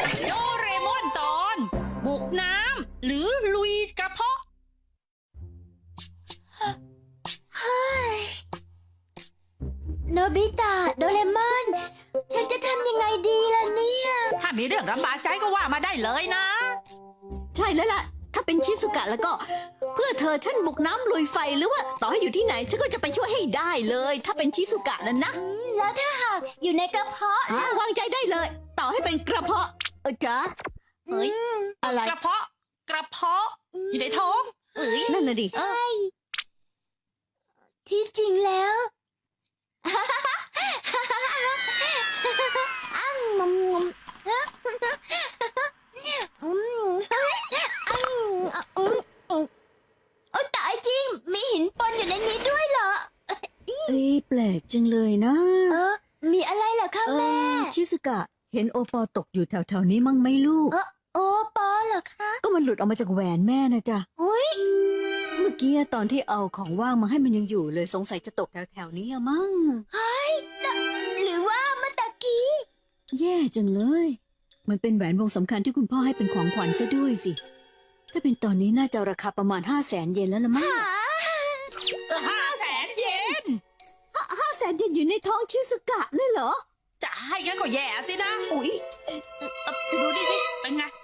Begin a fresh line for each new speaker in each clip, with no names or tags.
โดเรมอนตอนบุกน้ำหรือลุยกระเพาะ
โนบิตะโดเรมอนฉันจะทำยังไงดีล่ะเนี่ย
ถ้ามีเรื่องลำบากใจก็ว่ามาได้เลยนะ
ใช่แล้วล่ะ ถ้าเป็นชิสุกะแล้วก็ เพื่อเธอฉันบุกน้ำลุยไฟหรือว่าต่อให้อยู่ที่ไหนฉันก็จะไปช่วยให้ได้เลย ถ้าเป็นชิสุกะนั่นนะ
แล้วถ้าหากอยู่ในกระเพาะล่ะ
วางใจได้เลย ต่อให้เป็นกระเพาะจ๊ะเฮ้ยอะไร
กระเพาะอยู่ในท้อง
นั่นน่ะดิ
ใช่ที่จริงแล้วอ้ำงมงมโอ้ตายจริงมีหินปนอยู่ในนี้ด้วยเหรอ
แปลกจังเลยนะ
มีอะไรเหรอคะแม่
ชิสุกะเห็นโอปอตกอยู่แถวๆนี้มั่งไหมลูก
โอ้ปอเหรอคะ
ก็มันหลุดออกมาจากแหวนแม่นะจ๊ะ
อุ้ย
เมื่อกี้ตอนที่เอาของว่างมาให้มันยังอยู่เลยสงสัยจะตกแถวๆนี้อะมั้ง
หรือว่าเมื่อตะกี้
แย่จังเลย มันเป็นแหวนวงสำคัญที่คุณพ่อให้เป็นของขวัญซะด้วยสิ ถ้าเป็นตอนนี้น่าจะราคาประมาณ500,000 เยนแล้วละมั้ง
500,000 เยน
500,000 เยนอยู่ในท้องชิสุกะเลยเหรอ
จะให้งั้นก็แย่สินะ
อุ๊ย
ดูดิสิเป็นไง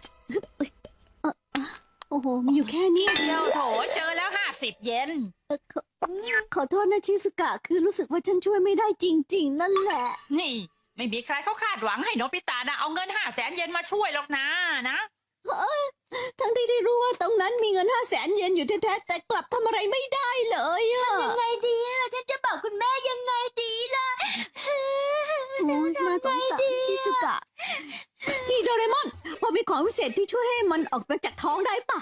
โอ้โหมีอยู่แค่นี้
เดียวโถเจอแล้ว50 เยน
ขอโทษนะชิสุกะคือรู้สึกว่าฉันช่วยไม่ได้จริงๆ นั่นแหละ
นี่ไม่มีใครเขาคาดหวังให้โนบิตะนะเอาเงิน500,000 เยนมาช่วยหรอกนะ
ทั้งที่ได้รู้ว่าตรงนั้นมีเงิน500,000 เยนอยู่แท้ๆแต่กลับทำอะไรไม่ได้เลยอะ
ยังไงดีอะฉันจะบอกคุณแม่ยังไงดีล่ะ
โอ้ยน่าสงสารชิสุกะ นี่โดเรมอนพอมีของพิเศษที่ช่วยให้มันออกมาจากท้องได้ปะ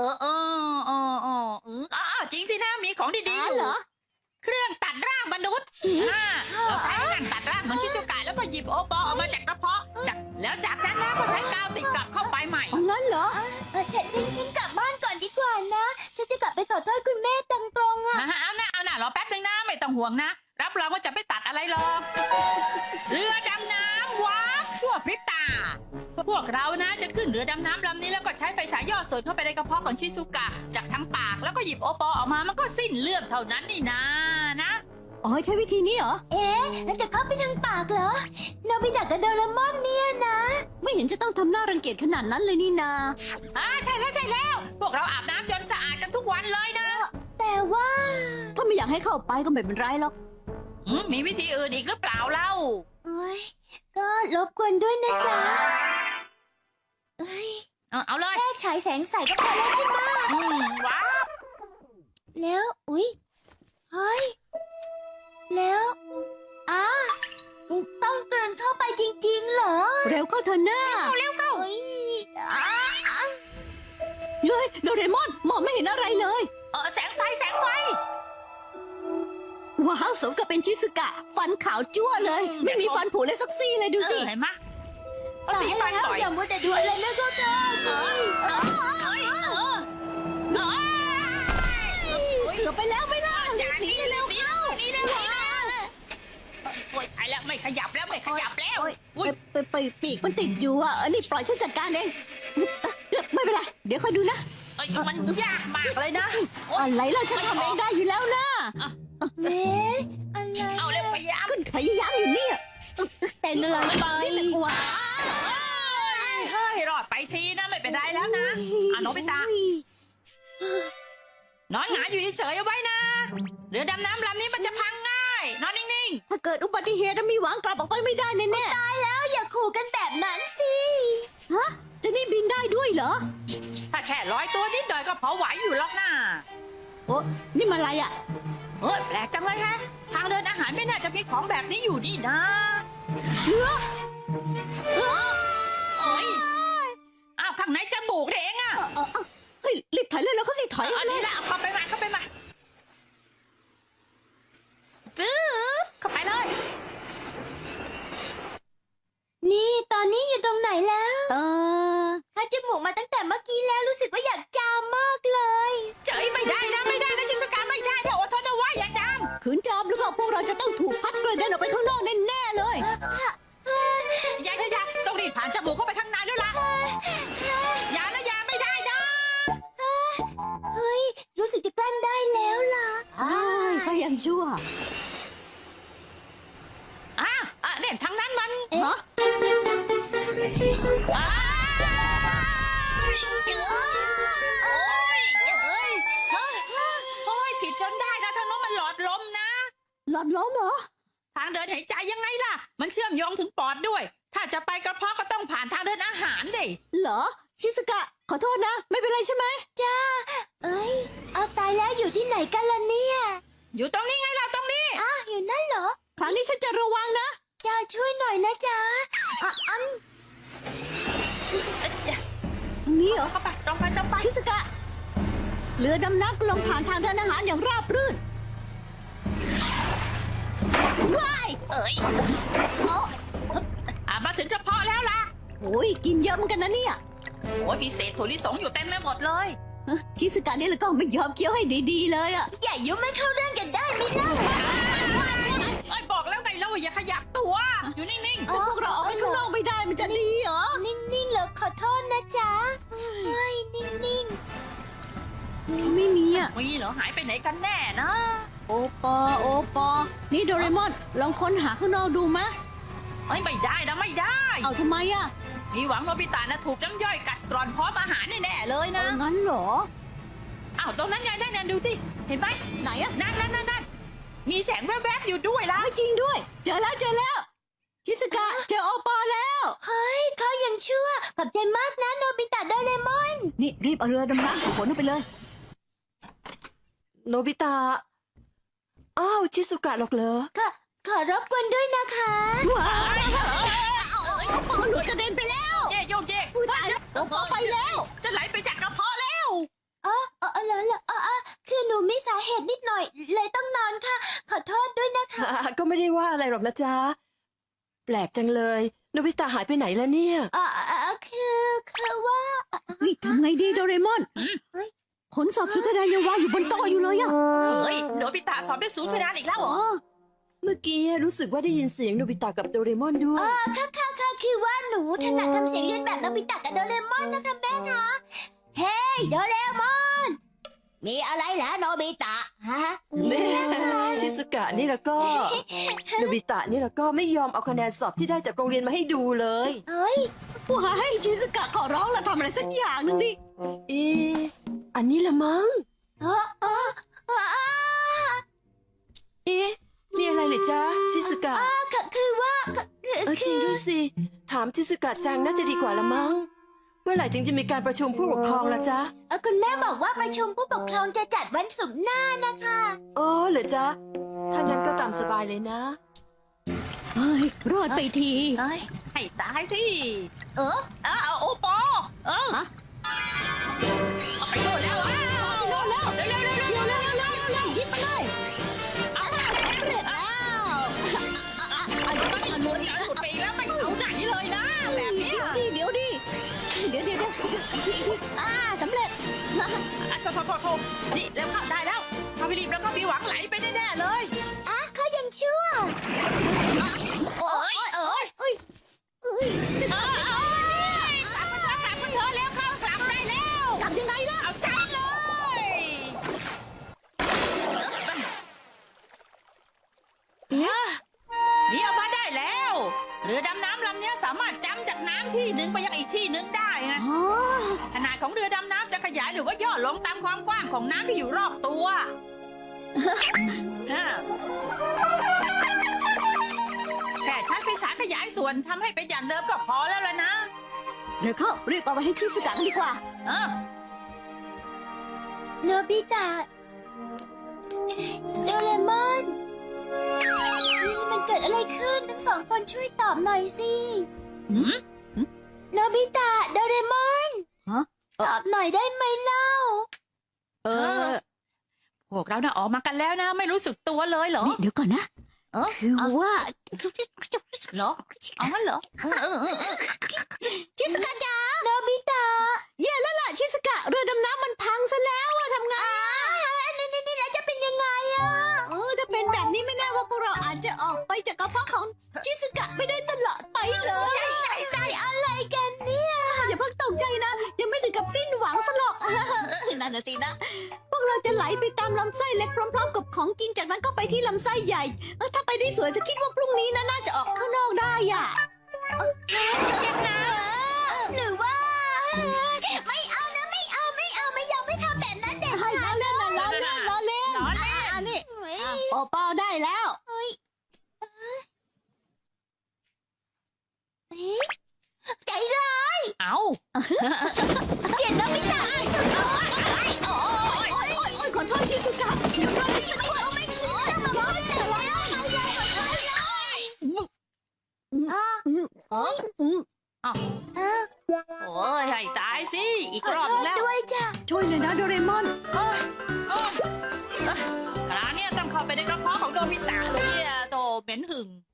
จริงสินะมีของดีๆอยู่
เหรอ
เครื่องตัดร่างมนุษย์เราใช้งานตัดร่างเหมือนชิซุกะแล้วก็หยิบโอปอออกมาจากกระเพาะแล้วจากนั้นนะก็ใช้กาวติดกลับเข้าไปใหม่
อ๋องั้นเหรอ
ฉันกลับบ้านก่อนดีกว่านะ ฉันจะกลับไปขอโทษคุณแม่ตรงๆอะ
เอานะรอแป๊บนึงนะไม่ต้องห่วงนะรับรองว่าจะไม่ตัดอะไรหรอกเรือดำน้ำว้าชั่วพริบตาพวกเรานะจะขึ้นเรือดำน้ำลำนี้แล้วก็ใช้ไฟฉายย่อส่วนเข้าไปในกระเพาะของชิซุกะจากทั้งปากแล้วก็หยิบโอปอออกมามันก็สิ้นเรื่องเท่านั้นนี่นะ
อ๋อใช้วิธีนี้เหรอ
แล้วจะเข้าไปทางปากเหรอโนบิตะกับโดเรมอนเนี่ยนะ
ไม่เห็นจะต้องทำหน้ารังเกียจขนาดนั้นเลยนี่นา
ใช่แล้วพวกเราอาบน้ำจนสะอาดกันทุกวันเลยนะ
แต่ว่า
ถ้าไม่อยากให้เข้าไปก็ไม่เป็นไรหรอก
มีวิธีอื่นอีกหรือเปล่าเล่า
โอ้ยก็รบกวนด้วยนะจ๊ะ
เอาเลย
แค่ฉายแสงใส่ก็พอแล้วใช่ไหม
ว้าว
แล้วอุ๊ยเฮ้ยแล้วต้องเดินเข้าไปจริงๆเหรอ
เร็วเข้าเถอะหน้า
เฮ้ย
เฮ้ยโดเรมอนมองไม่เห็นอะไรเลย
แสงไฟ
ว้าวสมกับเป็นชิสุกะ ฟันขาวจั่วเลย ไม่มีฟันผุเลยสักซี่เลยดูสิ
เห็นไหมเอาสีฟันบ่อย
อย่ามัวแต่ดูอะไรแล้วก็ได้สิ
เกือบไปแล้วไม่ล่ะรีบหนีไปเร็วเข้า
โอ๊ยตายแล้วไม่ขยับแล้ว
โอ๊ยไปปีกมันติดอยู่อ่ะนี่ปล่อยฉันจัดการเองไม่เป็นไรเดี๋ยวค่อยดูนะ
มันยากมากเลยนะ
อะไรล่ะฉันทำเองได้อยู่แล้วนะ
เอ๊ะอะไร
เอาเร็วพยายาม
ก็พยายามอยู่เนี่ยเป็นอะไรไปว้า
ให้รอดไปทีนะไม่เป็นไรแล้วนะโนบิตะนอนหงายอยู่เฉยๆเอาไว้นะเรือดำน้ำลำนี้มันจะพังง่ายนอนนิ่ง
ถ้าเกิดอุบัติเหตุมีหวังกลับออกไปไม่ได้แน่
ตายแล้วอย่าขู่กันแบบนั้นสิ
ๆฮะจะนี่บินได้ด้วยเหรอ
ถ้าแค่ลอยตัวนิดหน่อยก็พอไหวอยู่หรอกนะ
โอ้นี่มันอะไรอ่ะ
แปลกจังเลยฮะทางเดินอาหารไม่น่าจะมีของแบบนี้อยู่นี่นะข้างในจมูกเองอ่ะ
เฮ้ยรีบถอยเลยแล้วเขาสิถอย
อันนี้แหละเข้าไปมาตึ๊บเข้าไปเลย
นี่ตอนนี้อยู่ตรงไหนแล้ว
ถ้า
จมูกมาตั้งแต่เมื่อกี้แล้วรู้สึกว่าอยากจามมากเลย
เจ๋ยไม่ได้นะชิซุกะไม่ได้ถ้าอดทนเอาไว้อย่าจาม
ขืนจามแล้วก็พวกเราจะต้องถูกพัดกระเด็นออกไปข้างนอกแน่ๆเลย
อย่าต้องรีบผ่านจมูกเข้าไปข้างในอ้ายโอ้ยโอ้ยผิดจนได้นะทางโน้นมันหลอดลมนะ
หลอดล้มเหรอ
ทางเดินหายใจยังไงล่ะ มันเชื่อมโยงถึงปอดด้วย ถ้าจะไปกระเพาะก็ต้องผ่านทางเดินอาหารดิ
เหรอ ชิสกะ ขอโทษนะ ไม่เป็นไรใช่ไหม
จ้า เอ้ย เอาตายแล้วอยู่ที่ไหนกันล่ะเนี่ย
อยู่ตรงนี้ไงเราตรงนี้
อ้าวอยู่นั่นเหรอ
ครั้งนี้ฉันจะระวังนะ
จ้าช่วยหน่อยนะจ๊ะอ่ะ
ตรงนี้เหรอ
เข้าไปตรงไปตรงไป
ชิสกะ เรือดำน้ำกำลังผ่านทางเดินอาหารอย่างราบรื่นว้าย
เอ้ยมาถึงกระเพาะแล้วล่ะ
โอ้ยกินเยอะเหมือนกันนะเนี่ย
โอ้ยมีเศษถั่วลิสงอยู่เต็มไปหมดเลย
ชิสกะนี่แล้วก็ไม่ยอมเคี้ยวให้ดีๆเลยอ่ะ
อย่ายุ่งไม่เข้าเรื่องกันได้ไหมล่ะ
เอ้ยบอกแล้วไงเราอย่าขยับตัว อยู่นิ่ง
แต่พวกเราออกไปข้างนอกไม่ได้มันจะดีเหรอ
นิ่งๆเหรอขอโทษนะจ๊ะเฮ้ยนิ่ง
ไม่มีอ่ะ
ๆมีเหรอหายไปไหนกันแน่นะ
โอปอ นี่โดเรมอน ลองค้นหาข้างนอกดูมะ
เอ้ยไม่ได้นะไม่ได้
เอาทำไมอ่ะ
มีหวังโนบิตะนะถูกน้ำย่อยกัดกร่อนพร้อมอาหารแน่ๆเลยนะ
งั้นเหรอ
อ้าวตรงนั้นไงนั่นดูสิเห็นไหม
ไหนอ่ะ
นั่นมีแสงแวบๆอยู่ด้วยล่ะ
จริงด้วย เจอแล้ว ชิสกะ เจอโอปอแล้ว
ๆเฮ้ยเขายังชั่วขอบใจมากนะโนบิตะโดเรมอน
นี่รีบเอาเรือดำน้ำขนออกไปเลย
โนบิตะ อ้าว ชิสุกะหรอกเหรอ
ขอรบกวนด้วยนะคะ
ว้ายโอปอหลุดกระเด็นไปแล้ว
เย่โยกเย่
อุ๊ยตายแล้วโอปอไปแล้ว
จะไหลไปจากกระเพาะแล้ว
เหรอคือหนูมีสาเหตุนิดหน่อย เลยต้องนอนค่ะ ขอโทษด้วยนะคะ
ก็ไม่ได้ว่าอะไรหรอกนะจ๊ะ แปลกจังเลย โนบิตะหายไปไหนแล้วเนี่ย
คือว่า
เฮ้ยทำไงดีโดเรมอน
เฮ้ย
ผลสอบสุดคะแนนยังวางอยู่บนโต๊ะอยู่เลยอ่ะ
เฮ้ยโนบิตะสอบได้ศูนย์คะแนนอีกแล้วเหรอ
เมื่อกี้รู้สึกว่าได้ยินเสียงโนบิตะกับโดเรมอนด้วย
ค่ะคือว่าหนูถนัดทำเสียงเรียนแบบโนบิตะกับโดเรมอนนะคะแม่คะเฮ้ยโดเรมอน มีอะไรเหรอโนบิตะฮะ
แม่ชิสุกะนี่แล้วก็ โนบิตะนี่แล้วก็ไม่ยอมเอาคะแนนสอบที่ได้จากโรงเรียนมาให้ดูเลย
เฮ้ย
ว้ายชิสกะขอร้องละทำอะไรสักอย่างหนึงดิ
อันนี้ละมั้ง
เออ
มีอะไรเหรือจ๊ะ ชิสุกะ
คือว่า
จริงด้วยสิ ถามชิสุกะจังน่าจะดีกว่าละมั้ง เมื่อไหร่ถึงจะมีการประชุมผู้ปกครองล่ะจ๊ะ
คุณแม่บอกว่าประชุมผู้ปกครองจะจัดวันศุกร์หน้านะคะ
อ๋อเหรอจ๊ะ ถ้างั้นก็ตามสบายเลยนะ
เฮ้ย รอดไปที
เฮ้ยให้ตายสิ เอาโอปอ
ฮะ
เอาไปโน่นแล้วอ้าว
โดนแล้ว
เร็ว
ยิบไปเลย
เอาไป
อ้าว
มันหลุดไปอีกแล้วไม่เอาไหนเลยนะแบบเนี้ย
เดี๋ยวดิสำเร็จ
โทษนี่เร็วเข้าได้แล้วถ้าไม่รีบแล้วก็มีหวังไหลไปแน่ๆเลย
เขายังชั่ว
เอ้ยกลับมาเถอะแล้วเข้ากลับได้แล้ว
กลับยังไงล่ะ
เอาใจเลยนี่เอามาได้แล้ว เรือดำน้ำลำนี้สามารถจำจากน้ำที่หนึ่งไปยังอีกที่หนึ่งได้นะ
อ๋อ
ขนาดของเรือดำน้ำจะขยายหรือว่าย่อลงตามความกว้างของน้ำที่อยู่รอบตัวแค่ใช้ไฟฉายขยายส่วนทำให้เป็นอย่างเดิมก็พอแล้วล่ะนะ
เดี๋ยวเข้ารีบเอาไปให้ชิสกะกันดีกว่า
โนบิตะโดเรมอนนี่มันเกิดอะไรขึ้นทั้งสองคนช่วยตอบหน่อยสิโนบิตะโดเรมอน
ฮะ
ตอบหน่อยได้ไหมเล่า
พวกเราน่ะออกมากันแล้วนะ ไม่รู้สึกตัวเลยเหรอ
นี่เดี๋ยวก่อนนะ คือว่า
เหรอเอางั้นเหรอ
ชิสกะจ๋า
โนบิตะ
แย่แล้วล่ะชิสกะเรือดำน้ำมันพังซะแล้วอะทำไง
นี่แล้วจะเป็นยังไงอะ
ถ้าเป็นแบบนี้ไม่แน่ว่าพวกเราอาจจะออกไปจากกระเพาะของชิสกะไม่ได้ตลอดไปเลย
ใช่อะไรกันเนี่ย
อย่าเพิ่งตกใจนะ ยังไม่ถึงกับสิ้นหวังซะหรอก นั่นน่ะสินะ พวกเราจะไหลไปตามลำไส้เล็กพร้อมๆกับของกินจากนั้นก็ไปที่ลำไส้ใหญ่ถ้าไปได้สวยจะคิดว่าพรุ่งนี้นะน่าจะออกข้างนอกได้อ่ะ
ยังนะเอา
เปลี่ยนโนบิตะสุดยอด
โอ้ยขอโทษชิสุกะเดี๋ยวเราไม่ใช่
ไม่คิดจะมาบอกแต่แล้วโอ้ย
โอ้ยให้ตายสิ อีก
ขอ
รอบ
โทษ
แล้ว
ด้วยจ้ะ
ช่วยเลยนะโดเรมอน
โอ้ยคราวนี้ต้องเข้าไปในกระเพาะของโดมิตะเลยเนี่ยโตเหม็นหึ่ง